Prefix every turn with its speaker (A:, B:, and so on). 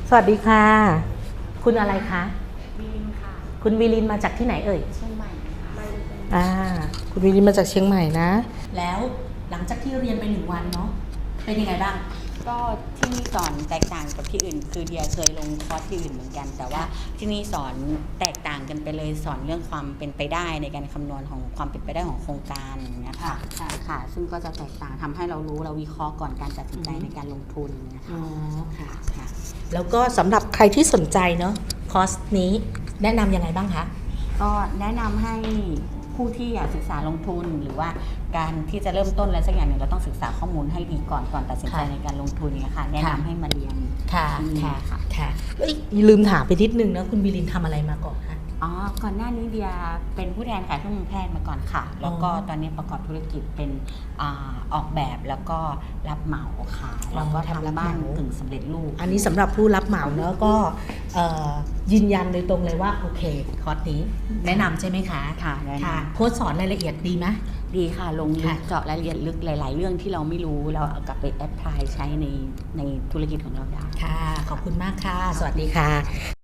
A: สวัสดีค่ะคุณอะไรคะ
B: วิลินค่ะ
A: คุณวิลินมาจากที่ไหนเอ่ย
B: เชียงใหม่ค่ะ
A: คุณวิลินมาจากเชียงใหม่นะแล้วหลังจากที่เรียนไป1 วันเนาะเป็นยังไงบ้าง
B: ก็ที่นี่สอนแตกต่างกับที่อื่นคือเดียเคยลงคอร์สที่อื่นเหมือนกันแต่ว่าที่นี่สอนแตกต่างกันไปเลยสอนเรื่องความเป็นไปได้ในการคำนวณของความเป็นไปได้ของโครงการอย่างเงี้ยค่ะค่ะซึ่งก็จะแตกต่างทำให้เรารู้เราวิเคราะห์ก่อนการตัดสินใจในการลงทุนนะคะ
A: อ๋อค่ะแล้วก็สำหรับใครที่สนใจเนาะคอร์สนี้แนะนำยังไงบ้างคะ
B: ก็แนะนำให้ผู้ที่อยากศึกษาลงทุนหรือว่าการที่จะเริ่มต้นอะไรสักอย่างหนึ่งเราต้องศึกษาข้อมูลให้ดีก่อนตัดสินใจในการลงทุนเนี่ยค่ะแนะนำให้มาเรียน
A: ค่ะลืมถามไปนิดนึงนะคุณวิลินทำอะไรมาก่อนคะ
B: ก่อนหน้านี้เดียเป็นผู้แทนขายเครื่องมือแพทย์มาก่อนค่ะแล้วก็ตอนนี้ประกอบธุรกิจเป็นออกแบบแล้วก็รับเหมาค่ะแล้วก็ทำบ้านกึ่งสำเร็จรูป
A: อันนี้สำหรับผู้รับเหมาเนอะก็ยืนยันโดยตรงเลยว่าโอเคคอร์สนี้แนะนำใช่ไหมคะ
B: ค่ะ
A: โค้ชสอนรายละเอียดดีไหม
B: ดีค่ะลงลึกเจาะรายละเอียดลึกหลายๆเรื่องที่เราไม่รู้เราเอากลับไปแอพพลายใช้ในธุรกิจของเราได้
A: ค่ะขอบคุณมากค่ะสวัสดีค่ะ